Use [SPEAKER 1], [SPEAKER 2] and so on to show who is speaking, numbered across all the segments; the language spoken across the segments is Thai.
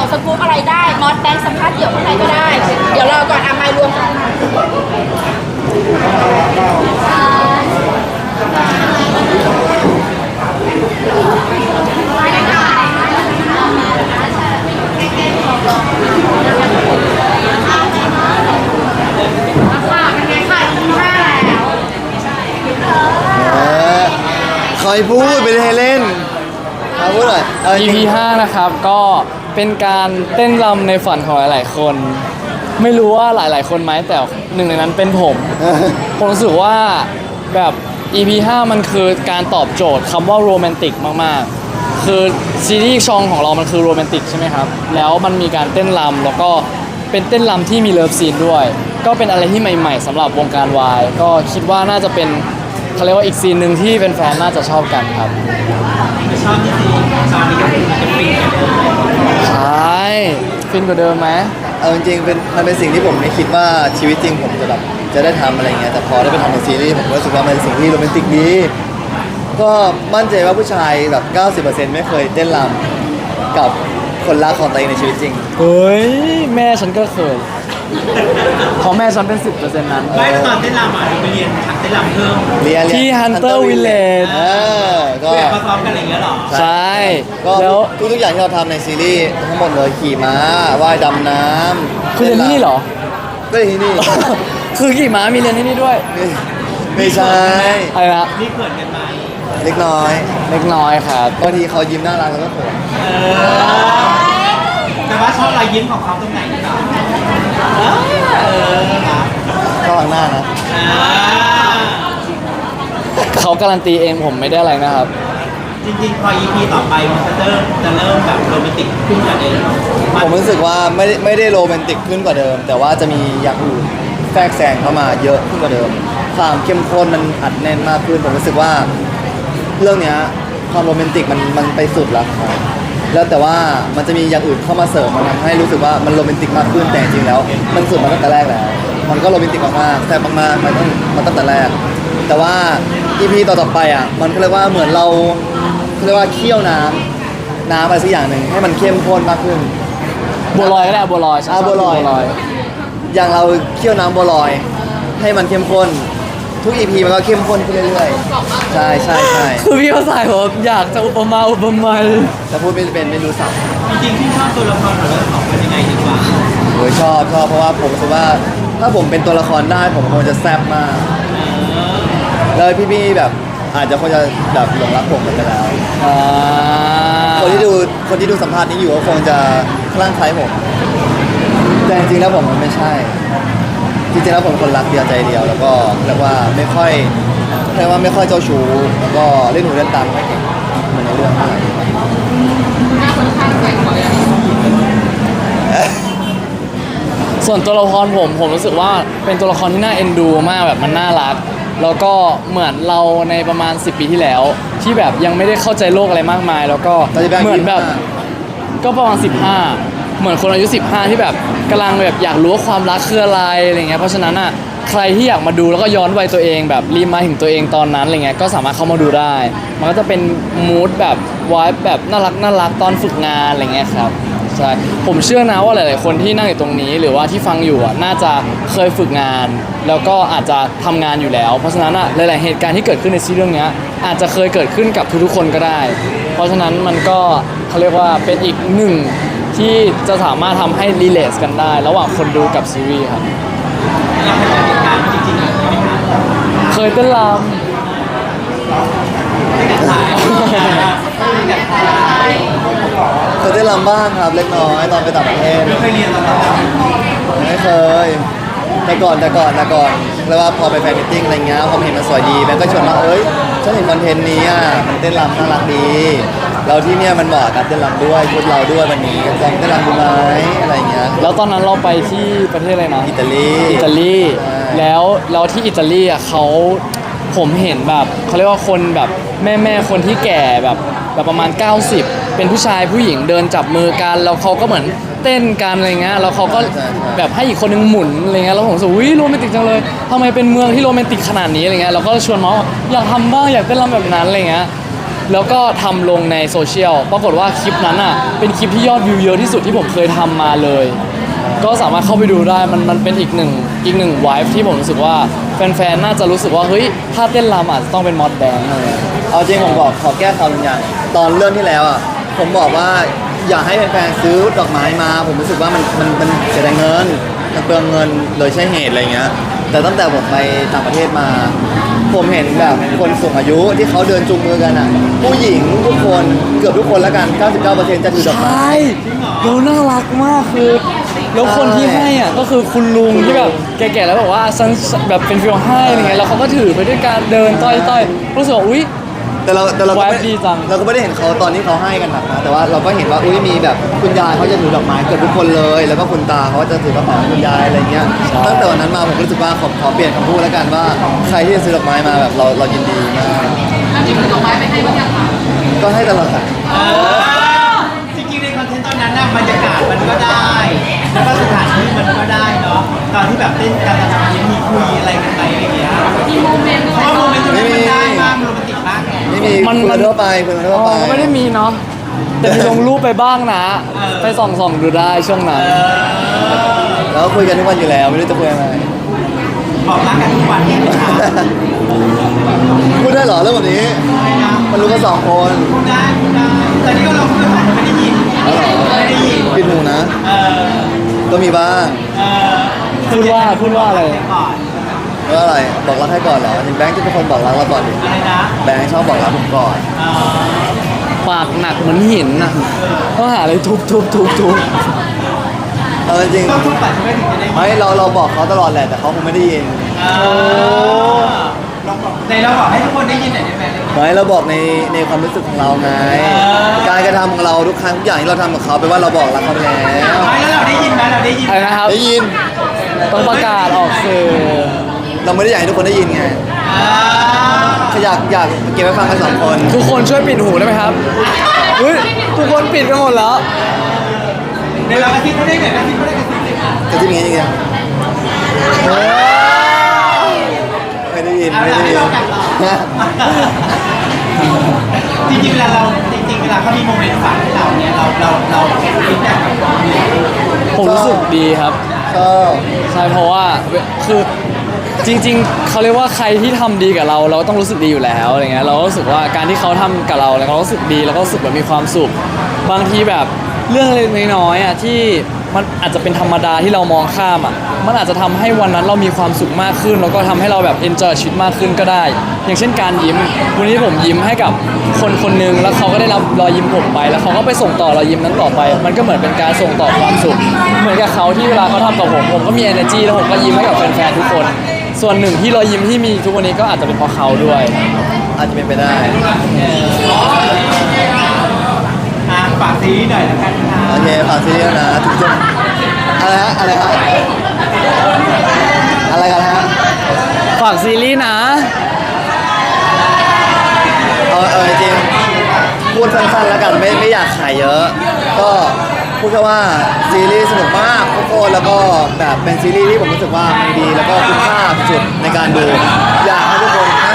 [SPEAKER 1] สกู๊ปอะไรได้มอสแบงค์สัมภาษณ์เดี่ยวข้างในก็ได้เดี๋ยวรอก่อนมารวมกัน
[SPEAKER 2] คอยพูดไปเลยเล่นมาพูดหน่อย
[SPEAKER 3] EP 5นะครับก็เป็นการเต้นรำในฝันของหลายๆคน ไม่รู้ว่าหลายๆคนไหมแต่หนึ่งในนั้นเป็นผม ผมรู้สึกว่าแบบ EP 5มันคือการตอบโจทย์คำว่าโรแมนติกมากๆคือซีรีส์ชองของเรามันคือโรแมนติกใช่ไหมครับแล้วมันมีการเต้นรำแล้วก็เป็นเต้นรำที่มีเลิฟซีนด้วยก็เป็นอะไรที่ใหม่ๆสำหรับวงการวายก็คิดว่าน่าจะเป็นเขาเรียกว่าอีกซีนหนึ่งที่แฟนๆน่าจะชอบกันครับ
[SPEAKER 4] ชอบที่สีชอบนี้ก็คือจะฟินกันเลย
[SPEAKER 3] ใช่ฟินกว่าเดิมไหม
[SPEAKER 2] เอาจริงๆมันเป็นสิ่งที่ผมไม่คิดว่าชีวิตจริงผมจะแบบจะได้ทำอะไรเงี้ยแต่พอได้ไปทำในซีรีส์ผมก็รู้สึกว่ามันเป็นสิ่งที่โรแมนติกดีก็มั่นใจว่าผู้ชายแบบ 90% ไม่เคยเต้นรำกับคนรักของตัวเองในชีวิตจริง
[SPEAKER 3] เฮ้ยแม่ฉันก็เคยของแม่ฉันเป็น 10%นั้น
[SPEAKER 4] ไม่ตอนเต้นรำอ่ะเราไปเรียนทักเต้นรำเพิ่ม
[SPEAKER 3] ที่ Hunter Village
[SPEAKER 2] ก็
[SPEAKER 4] เพื่อมาซ้อมกันอะไรอย่างเงี้ยหรอ
[SPEAKER 3] ใช่
[SPEAKER 2] ก็
[SPEAKER 3] แล้ว
[SPEAKER 2] ทุกอย่างที่เราทำในซีรีส์ทั้งหมดเลยขี่ม้าว่ายดำน้ำ
[SPEAKER 3] คือเรียนที่นี่เหรอ
[SPEAKER 2] ก็เรียนที่นี่
[SPEAKER 3] คือขี่ม้ามีเรียนที่นี่ด้วย
[SPEAKER 2] ไม่ใช่
[SPEAKER 3] อะไรนะ
[SPEAKER 4] นี่เขินกันไหม
[SPEAKER 2] เล็กน้อย
[SPEAKER 3] เล็กน้อยครับ
[SPEAKER 2] บางทีเขายิ้มน่ารักแล้วก็เขิน
[SPEAKER 4] แต่ว่าชอบรอยยิ้มของเขาตรงไหนนี่หรอ
[SPEAKER 2] ข้างหลังหน้านะ
[SPEAKER 3] เขาการันตีเองผมไม่ได้อะไรนะครับ
[SPEAKER 4] จริงๆพอ EP ต่อไปมันจะเริ่มแบบโรแมนติกขึ้นกว่าเดิม
[SPEAKER 2] ผมรู้สึกว่าไม่ได้โรแมนติกขึ้นกว่าเดิมแต่ว่าจะมีอย่างอื่นแทรกแซงเข้ามาเยอะขึ้นกว่าเดิมความเข้มข้นมันอัดแน่นมากขึ้นผมรู้สึกว่าเรื่องเนี้ยความโรแมนติกมันไปสุดแล้วแล้วแต่ว่ามันจะมีอย่างอื่นเข้ามาเสริมมันทำให้รู้สึกว่ามันโรแมนติกมากขึ้นแต่จริงแล้วมันสุดมาตั้งแต่แรกแล้วมันก็โรแมนติกมากๆแต่มากๆมันตั้งแต่แรกแต่ว่า EP ต่อๆไปอ่ะมันก็เรียกว่าเหมือนเราเรียกว่าเคี่ยวน้ำอะไรสักอย่างหนึ่งให้มันเข้มข้นมากขึ้น
[SPEAKER 3] บัวลอยก็ได้บัวลอย
[SPEAKER 2] บัวลอยอย่างเราเคี่ยวน้ำบัวลอยให้มันเข้มข้นทุก EP มันก็เข้มข้นขึ้นเรื่อยๆใช่
[SPEAKER 3] คือพี่เขาใส่ผมอยากจะอุปมาอุปไมย
[SPEAKER 2] แต่พูดไม่เป็นไม่รู้สับ
[SPEAKER 4] จริงๆที่ชอบตัวละครของเราสองเป็นยังไงดีกว่า
[SPEAKER 2] ชอบเพราะว่าผมรู้สึกว่าถ้าผมเป็นตัวละครได้ผมคงจะแซ่บมากแล้วพี่ๆแบบอาจจะคงจะแบบหลงรักผมกันไปแล้วคนที่ดูสัมภาษณ์นี้อยู่ก็คงจะคลั่งไคล้ผมแต่จริงๆแล้วผมมันไม่ใช่จริงๆแล้วผมคนรักเดียวใจเดียวแล้วก็เรียกว่าไม่ค่อยเจ้าชู้แล้วก็เล่นหูเล่นตาไม่เก่งเหมือนในเรื่อง
[SPEAKER 3] ส่วนตัวละครผมรู้สึกว่าเป็นตัวละครที่น่าเอ็นดูมากแบบมันน่ารักแล้วก็เหมือนเราในประมาณ10 ปีที่แล้วที่แบบยังไม่ได้เข้าใจโลกอะไรมากมายแล้วก็เหมือนแบบก็ประมาณ15เหมือนคนอายุ15ที่แบบกำลังแบบอยากรู้ว่าความรักคืออะไรเงี้ยเพราะฉะนั้นอ่ะใครที่อยากมาดูแล้วก็ย้อนวัยตัวเองแบบรีมาถึงตัวเองตอนนั้นอะไรเงี้ยก็สามารถเข้ามาดูได้มันก็จะเป็นมูดแบบวายแบบน่ารักตอนฝึกงานอะไรเงี้ยครับใช่ผมเชื่อนะว่าหลายๆคนที่นั่งอยู่ตรงนี้หรือว่าที่ฟังอยู่อ่ะน่าจะเคยฝึกงานแล้วก็อาจจะทำงานอยู่แล้วเพราะฉะนั้นอ่ะหลายๆเหตุการณ์ที่เกิดขึ้นในซีรีส์เรื่องนี้อาจจะเคยเกิดขึ้นกับทุกๆคนก็ได้ เพราะฉะนั้นมันก็เขาเรียกว่าเป็นอีกหนึ่งที่จะสามารถทำให้รีเลทกันได้ระหว่างคนดูกับซีรีส์ครับเคยเต้นรำ
[SPEAKER 2] เคยได้รำบ้างครับเล็กน้อยตอนไปต่างประเทศ
[SPEAKER 4] ไม่เคยเรียนมาก่อน
[SPEAKER 2] ไม่เคยแต่ก่อนแล้วว่าพอไปแฟนมิทติ้งอะไรเงี้ยพอเห็นมันสวยดีแม่ก็ชวนมาฉันเห็นคอนเทนต์นี้อ่ะมันเต้นรำน่ารักดีเราที่เนี่ยมันเหมาะกับเต้นรำด้วยชุดเราด้วยวันนี้ลองเต้นรำดูไหมอะไรเงี้ย
[SPEAKER 3] แล้วตอนนั้นเราไปที่ประเทศอะไรนะ
[SPEAKER 2] อิตาลี
[SPEAKER 3] แล้วที่อิตาลีอ่ะผมเห็นแบบเขาเรียกว่าคนแบบแม่คนที่แก่แบบประมาณ90เป็นผู้ชายผู้หญิงเดินจับมือกันแล้วเขาก็เหมือนเต้นกันอะไรเงี้ยแล้วเขาก็แบบให้อีกคนนึงหมุนอะไรเงี้ยแล้วผมรู้สึกวิโรแมนติกจังเลยทำไมเป็นเมืองที่โรแมนติกขนาดนี้อะไรเงี้ยเราก็ชวนน้องอยากทำบ้างอยากเต้นรำแบบนั้นอะไรเงี้ยแล้วก็ทำลงในโซเชียลปรากฏว่าคลิปนั้นอ่ะเป็นคลิปที่ยอดวิวเยอะที่สุดที่ผมเคยทำมาเลย ก็สามารถเข้าไปดูได้มันเป็นอีกหนึ่งไวฟ์ที่ผมรู้สึกว่าแฟนๆน่าจะรู้สึกว่าเฮ้ยถ้าเต้นรำอาจจะต้องเป็นมอดแบงค์เลย
[SPEAKER 2] เอาจริงผมบอกขอแก้ข่าวบางอย่างตอนเรื่องที่แล้วอ่ะผมบอกว่าอยากให้แฟนๆซื้อดอกไม้มา ผมรู้สึกว่ามันเสียดายเงินมันเปลืองเงินโดยใช้เหตุอะไรเงี้ยแต่ตั้งแต่ผมไปต่างประเทศมา ผมเห็นแบบคนสูงอายุที่เขาเดินจูงมือกันอ่ะผู้หญิงทุกคนเกือบทุกคนแล้วกัน 99%จะถือดอกไม้
[SPEAKER 3] ใช่แล้วน่ารักมากคือแล้วคนที่ให้อ่ะก็คือคุณลุงที่แบบแก่ๆแล้วบอกว่าฉันแบบเป็นฟิลให้อะไรเงี้ยแล้วเขาก็ถือไปด้วยการเดินต้อยๆรู้สึกว่าอุ๊ย
[SPEAKER 2] แต่เราก็
[SPEAKER 3] แว
[SPEAKER 2] ไม่
[SPEAKER 3] บดีจัง
[SPEAKER 2] เราก็ไม่ได้เห็นเขาตอนที่เขาให้กันหนักนะแต่ว่าเราก็เห็นว่าอุ้ยมีแบบคุณยายเขาจะถือดอกไม้เกือบทุกคนเลย แล้วก็คุณตาเขาจะถือกระเป๋าให้คุณยายอะไรเงี้ยตั้งแต่วันนั้นมาผมก็รู้สึกว่าขอเปลี่ยนคำพูดแล้วกันว่าใครที่จะซื้อดอกไม้มาแบบเรายินดีมาก
[SPEAKER 1] อันนี้คือดอกไม้ไปให้บ้างยังคะ
[SPEAKER 2] ก็ให้ตลอดค่ะ
[SPEAKER 4] จริงๆในคอนเทนต์ตอนนั้นน่ะบรรยากาศมันก็ได้ แล้วก็สถานที่มันก็ได้เนาะตอนที่แบบเต้นกันตอนนี้มีคุยอะไรกันไปอะไรอย่างเงี้ย
[SPEAKER 1] มีโมเมนต์
[SPEAKER 4] เพราะว่าโมเมนต์ตรงนั้นมันได้มากมันโรแมนติกมากไง
[SPEAKER 2] ไม่มี
[SPEAKER 3] มัน
[SPEAKER 2] คุยกันทั่วไปคุยกันทั่ว
[SPEAKER 3] อ๋
[SPEAKER 2] ไป
[SPEAKER 3] อไม่ได้มีเนาะแต่มีลงรูปไปบ้างนะ ไปส่องๆดูได้ช่วงนั้น
[SPEAKER 2] แล้วก็คุยกันทุกวันอยู่แล้วไม่รู้จะคุยอะไร
[SPEAKER 4] บอกรักกันทุกวันเนี่ยนะคะ
[SPEAKER 2] พูดได้เหรอเรื่องแบบนี้ มันรู้กัน2 คน
[SPEAKER 4] ได้แต่นี่ก็เราคืออาจจะไม่ได้ยิน
[SPEAKER 2] แล้วเหรอ
[SPEAKER 4] ไม่ได้ยิน
[SPEAKER 2] ปิดหูนะ
[SPEAKER 4] เออ
[SPEAKER 2] ก็มีบ้าง
[SPEAKER 4] เออ
[SPEAKER 3] พูดว่าอะไร
[SPEAKER 4] ก่อน
[SPEAKER 2] ว่าอะไรบอกรักให้ก่อนเหรอจริงแบงค์จะเป็นคนบอกรักเราก่อนดิ
[SPEAKER 4] อะไรนะ
[SPEAKER 2] แบงค์ชอบบอกรักผมก่อน
[SPEAKER 4] เออ
[SPEAKER 3] ปากหนักเหมือนหินน่ะต้องหาอะไรทุบ
[SPEAKER 2] เอาจริง
[SPEAKER 4] ต้องทุกปัดใช่ไหมถึงจะได้ยิน
[SPEAKER 2] ไม่เราบอกเขาตลอดแหละแต่เขาคงไม่ได้ยิน
[SPEAKER 4] ลองบอกในเราบอกให้ทุกคนได้ยินหน่อยได้ไหม
[SPEAKER 2] ไม่เราบอกในความรู้สึกของเราไง การกระทำของเราทุกครั้งทุกอย่างที่เราทำกับเขาแปลว่าเราบอกรักเขาไปแล้ว
[SPEAKER 4] ไม่แล้วเราได้ยินไหมเราได้ยิน
[SPEAKER 3] อะไรนะครับ
[SPEAKER 2] ได้ยิน
[SPEAKER 3] ต้องประกาศออกสื่อ
[SPEAKER 2] เราไม่ได้อยากให้ทุกคนได้ยินไง
[SPEAKER 4] อ่า
[SPEAKER 2] แค่อยากเก็บไว้ฟังกัน2 คน
[SPEAKER 3] ทุกคนช่วยปิดหูได้ไหมครับเฮ้ยทุกคนปิดกันหมดแล้ว
[SPEAKER 4] ในเรากระซิบเขาได้ไหมกระซิบเขาได้กระซิบเลยค่ะ
[SPEAKER 2] แต่ที่นี้จริงๆไม่ได้ยิน
[SPEAKER 4] เอา
[SPEAKER 2] ไม่
[SPEAKER 4] ละ
[SPEAKER 2] ได้
[SPEAKER 3] Dạ.
[SPEAKER 4] ให้
[SPEAKER 2] ยิน
[SPEAKER 4] เรากัดต่อ
[SPEAKER 2] นะ
[SPEAKER 4] จริงๆเวลาเราจริงๆเวลาเขามีโมเมนต์ฝากให้เราเนี่ยเราคิดแบบกับความเนี่ย
[SPEAKER 3] ผมรู้สึกดีครับ
[SPEAKER 2] ชอบ
[SPEAKER 3] ใช่เพราะว่าคือจริงๆเขาเรียกว่าใครที่ทำดีกับเราเราต้องรู้สึกดีอยู่แล้วอะไรเงี้ยเราก็รู้สึกว่าการที่เขาทำกับเราแล้วเรารู้สึกดีแล้วก็รู้สึกแบบมีความสุขบางทีแบบเรื่องเล็กๆน้อยๆอ่ะที่มันอาจจะเป็นธรรมดาที่เรามองข้ามอ่ะมันอาจจะทำให้วันนั้นเรามีความสุขมากขึ้นแล้วก็ทำให้เราแบบเอนจอยชีวิตมากขึ้นก็ได้ อย่างเช่นการยิ้มวันนี้ผมยิ้มให้กับคนคนหนึ่งแล้วเขาก็ได้รับรอยยิ้มผมไป แล้วเขาก็ไปส่งต่อรอยยิ้มนั้นต่อไป มันก็เหมือนเป็นการส่งต่อความสุข เหมือนกับเขาที่เวลาเขาทำกับผมก็มี energy แล้วผมก็ยิ้มให้กับแฟนๆทุกคน ส่วนหนึ่งที่รอยยิ้มที่มีทุกวันนี้ก็อาจจะเป็นเพราะเขาด้วย
[SPEAKER 2] อาจจะเป็นไปได้
[SPEAKER 4] ฝากซีรีส์หน่อยละกันค่ะ
[SPEAKER 2] โอเคฝากซีรีส์นะถึงจะอะไรฮะอะไรกันฮะ
[SPEAKER 3] ฝากซีรีส์นะ
[SPEAKER 2] เอาจริงๆพูดสั้นๆแล้วกันไม่อยากขายเยอะ ก็พูดแค่ว่าซีรีส์สนุกมากทุกคนแล้วก็แบบเป็นซีรีส์ที่ผมรู้สึกว่ามันดีแล้วก็คุ้มค่าสุดในการดูอยากให้ทุกคนนะ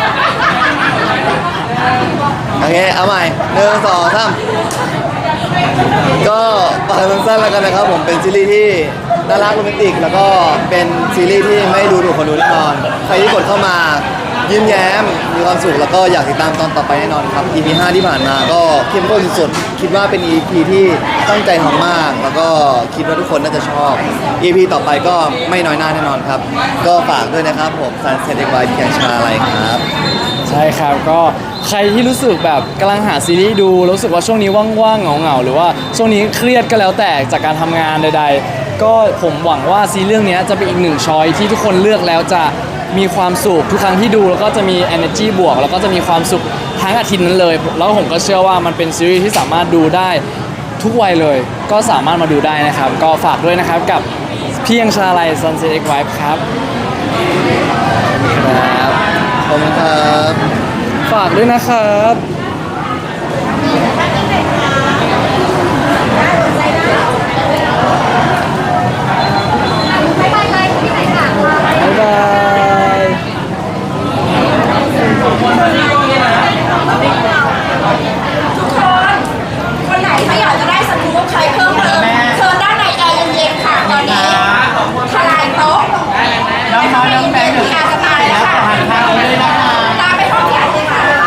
[SPEAKER 2] โอเคเอาใหม่1 2 3ก็ฝากสั้นๆแล้วกันนะครับผมเป็นซีรีส์ที่น่ารักโรแมนติกแล้วก็เป็นซีรีส์ที่ไม่ดูถูกคนดูแน่นอนใครที่กดเข้ามายิ้มแย้มมีความสุขแล้วก็อยากติดตามตอนต่อไปแน่นอนครับ EP 5 ที่ผ่านมาก็เข้มข้นสุดๆคิดว่าเป็น EP ที่ตั้งใจทำมาก แล้วก็คิดว่าทุกคนน่าจะชอบ EP ต่อไปก็ไม่น้อยหน้าแน่นอนครับ ก็ฝากด้วยนะครับผมซันเซ็ตเอ็กไวท์พี่แกงชาอะไรครับ
[SPEAKER 3] ใช่ครับก็ใครที่รู้สึกแบบกำลังหาซีรีส์ดูรู้สึกว่าช่วงนี้ว่างๆเหงาๆหรือว่าช่วงนี้เครียดก็แล้วแต่จากการทำงานใดๆก็ผมหวังว่าซีรีส์เรื่องนี้จะเป็นอีกหนึ่งช้อยที่ทุกคนเลือกแล้วจะมีความสุขทุกครั้งที่ดูแล้วก็จะมี energy บวกแล้วก็จะมีความสุขทั้งอาทิตย์นั้นเลยแล้วผมก็เชื่อว่ามันเป็นซีรีส์ที่สามารถดูได้ทุกวัยเลยก็สามารถมาดูได้นะครับก็ฝากด้วยนะครับกับเพียงชาลัย Sunset X Vibe ครับครับ
[SPEAKER 2] ขอบคุณครับ
[SPEAKER 3] ฝากด้วยนะครับ